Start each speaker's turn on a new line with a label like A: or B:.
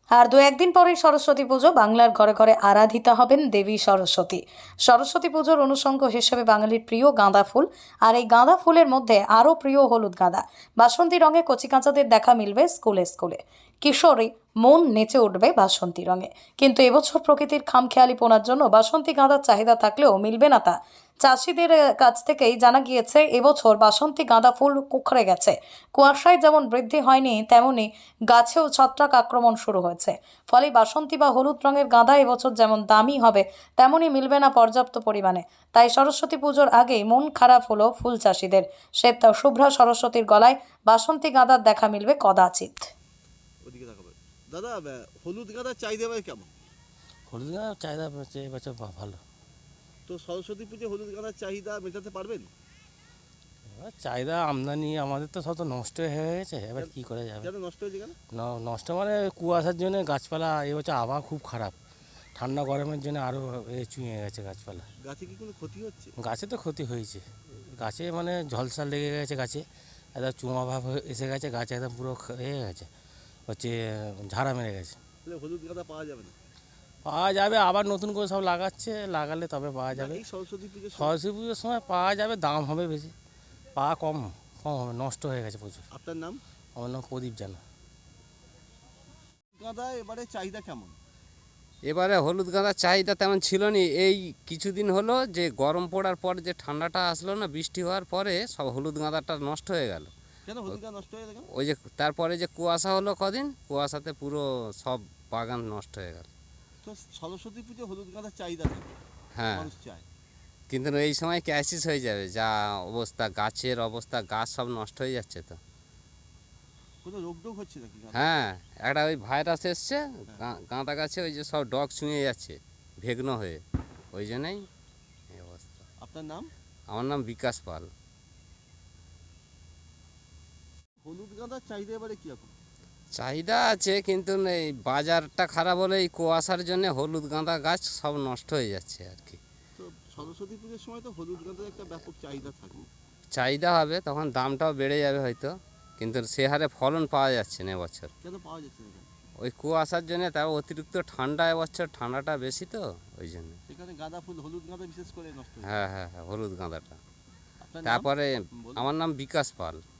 A: আর দু একদিন পরেই সরস্বতী পুজো। বাংলার ঘরে ঘরে আরাধিতা হবেন দেবী সরস্বতী। সরস্বতী পুজোর অনুষঙ্গ হিসেবে বাঙালির প্রিয় গাঁদা ফুল, আর এই গাঁদা ফুলের মধ্যে আরও প্রিয় হলুদ গাঁদা। বাসন্তী রঙে কচিকাঁচাদের দেখা মিলবে স্কুলে স্কুলে। কিশোরী মন নেচে উঠবে বাসন্তী রঙে। কিন্তু এবছর প্রকৃতির খামখেয়ালিপনার জন্য বাসন্তী গাঁদার চাহিদা থাকলেও মিলবে না তা। চাষিদের কাছ থেকেই জানা গিয়েছে এবছর বাসন্তী গাঁদা ফুল কুঁকড়ে গেছে। কুয়াশায় যেমন বৃদ্ধি হয়নি, তেমনি গাছেও ছত্রাক আক্রমণ শুরু হয়েছে। ফলে বাসন্তী বা হলুদ রঙের গাঁদা এবছর যেমন দামি হবে, তেমনই মিলবে না পর্যাপ্ত পরিমাণে। তাই সরস্বতী পুজোর আগেই মন খারাপ হলো ফুল চাষিদের। শ্বেত শুভ্রা সরস্বতীর গলায় বাসন্তী গাঁদার দেখা মিলবে কদাচিৎ।
B: ওদিকে তাকাবে দাদা। হলুদ গাঁদার চাহিদা ভাই কেমন?
C: হলুদ গাঁদার চাহিদা এবছর ভালো।
B: তো সরস্বতী পুজো হলুদ গাঁদার চাহিদা মেটাতে পারবেন?
C: এবার চাহিদা আমদানি আমাদের তো সব তো নষ্ট হয়ে গেছে, এবার কী করে যাবে।
B: কেন নষ্ট হয়েছে কেন?
C: নষ্ট মানে কুয়াশার জন্য গাছপালা এবছর আবহাওয়া খুব খারাপ। ঠান্ডা গরমের জন্য আরও চুঁয়ে গেছে গাছপালা।
B: গাছে কি কোনো ক্ষতি হচ্ছে?
C: গাছে তো ক্ষতি হয়েছে, গাছে মানে ঝলসা লেগে গেছে, গাছে একদম চুমা ভাব এসে গেছে, গাছে একদম পুরো হয়ে গেছে, হচ্ছে ঝাড়া মেরে গেছে।
B: তাহলে হলুদ গাঁদা পাওয়া যাবে না?
C: পাওয়া যাবে, আবার নতুন করে সব লাগাচ্ছে, লাগালে তবে পাওয়া যাবে।
B: এই সরস্বতী পুজোর
C: সরস্বতী পুজোর সময় পাওয়া যাবে, দাম হবে বেশি, পাওয়া কম কম হবে, নষ্ট হয়ে গেছে প্রচুর।
B: আপনার নাম?
C: আমার নাম প্রদীপ জানা।
B: গাঁদা এবারে চাহিদা কেমন?
D: এবারে হলুদ গাঁদার চাহিদা তেমন ছিল না। এই কিছুদিন হলো যে গরম পড়ার পর যে ঠান্ডাটা আসলো না, বৃষ্টি হওয়ার পরে সব হলুদ গাঁদাটা নষ্ট হয়ে গেল।
B: কেন হলুদ গাঁদা নষ্ট হয়ে গেল?
D: ওই যে তারপরে যে কুয়াশা হলো কদিন, কুয়াশাতে পুরো সব বাগান নষ্ট হয়ে গেল।
B: তো সরস্বতী পুজো হলুদ গাঁদার চাহিদা থাকে,
D: হ্যাঁ,
B: মানুষ চায়।
D: কিন্তু এই সময় ক্রাইসিস হয়ে যাবে, যা অবস্থা গাছের অবস্থা, গাছ সব নষ্ট হয়ে যাচ্ছে তো।
B: কোনো রোগ টোগ হচ্ছে নাকি গাঁদা?
D: হ্যাঁ, একটা ওই ভাইরাস এসছে গাঁদা গাছে, ওই যে সব ডগ ছুঁয়ে যাচ্ছে ভেগ্ন হয়ে, ওই জন্যই এই অবস্থা।
B: আপনার নাম?
D: আমার নাম বিকাশ পাল।
B: হলুদ গাঁদার চাহিদা এবারে কীরকম?
D: চাহিদা আছে, কিন্তু এই বাজারটা খারাপ হলে এই কুয়াশার জন্য হলুদ গাঁদা গাছ সব নষ্ট হয়ে যাচ্ছে আর কি।
B: তো সরস্বতী পুজোর সময় তো হলুদ গাঁদার একটা ব্যাপক চাহিদা থাকে।
D: চাহিদা হবে, তখন দামটাও বেড়ে যাবে হয়তো, কিন্তু সে হারে ফলন পাওয়া যাচ্ছে না এবছর।
B: কেন পাওয়া যাচ্ছে না কেন?
D: ওই কুয়াশার জন্য, তার অতিরিক্ত ঠান্ডা, এবছর ঠান্ডাটা বেশি তো ওই জন্য।
B: এখানে গাঁদা ফুল, হলুদ গাঁদা বিশেষ করে নষ্ট হয়ে যায়।
D: হ্যাঁ হ্যাঁ হ্যাঁ, হলুদ গাঁদাটা।
B: আপনার নাম?
D: তারপরে
B: বলুন।
D: আমার নাম বিকাশ পাল।